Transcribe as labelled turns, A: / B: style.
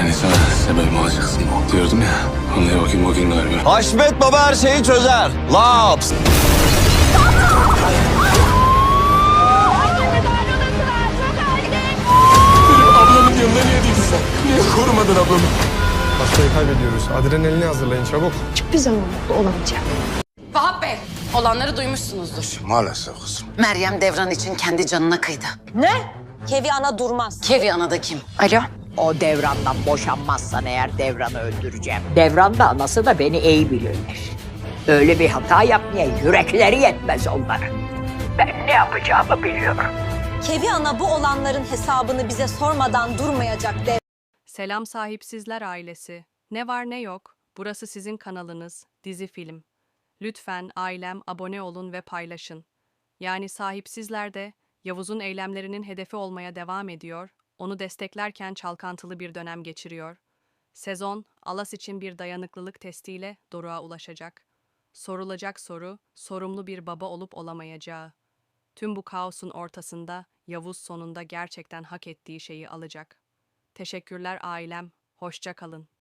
A: Hani sana sebebimi alacaksın diyordum ya. Anlaya bakayım o gün galiba.
B: Haşmet Baba her şeyi çözer. Laps.
A: Ablamın yanında niye değilsin sen? Niye korumadın ablamı?
C: Hastayı kaybediyoruz. Adrenalini hazırlayın çabuk.
D: Hiçbir zaman mutlu olamayacağım.
E: Vahap Bey, olanları duymuşsunuzdur.
A: Maalesef kızım.
E: Meryem Devran için kendi canına kıydı.
F: Kevi ana durmaz.
E: Kevi ana da kim? Alo?
G: O Devran'dan boşanmazsan eğer Devran'ı öldüreceğim. Devran da anası da beni iyi bilirler. Öyle bir hata yapmaya yürekleri yetmez onların. Ben ne yapacağımı biliyorum.
F: Kevi ana bu olanların hesabını bize sormadan durmayacak dev.
H: Selam sahipsizler ailesi. Ne var ne yok, burası sizin kanalınız, dizi film. Lütfen ailem abone olun ve paylaşın. Yani sahipsizler de Yavuz'un eylemlerinin hedefi olmaya devam ediyor, onu desteklerken çalkantılı bir dönem geçiriyor. Sezon, Alas için bir dayanıklılık testiyle Doruk'a ulaşacak. Sorulacak soru, sorumlu bir baba olup olamayacağı. Tüm bu kaosun ortasında Yavuz sonunda gerçekten hak ettiği şeyi alacak. Teşekkürler ailem, hoşça kalın.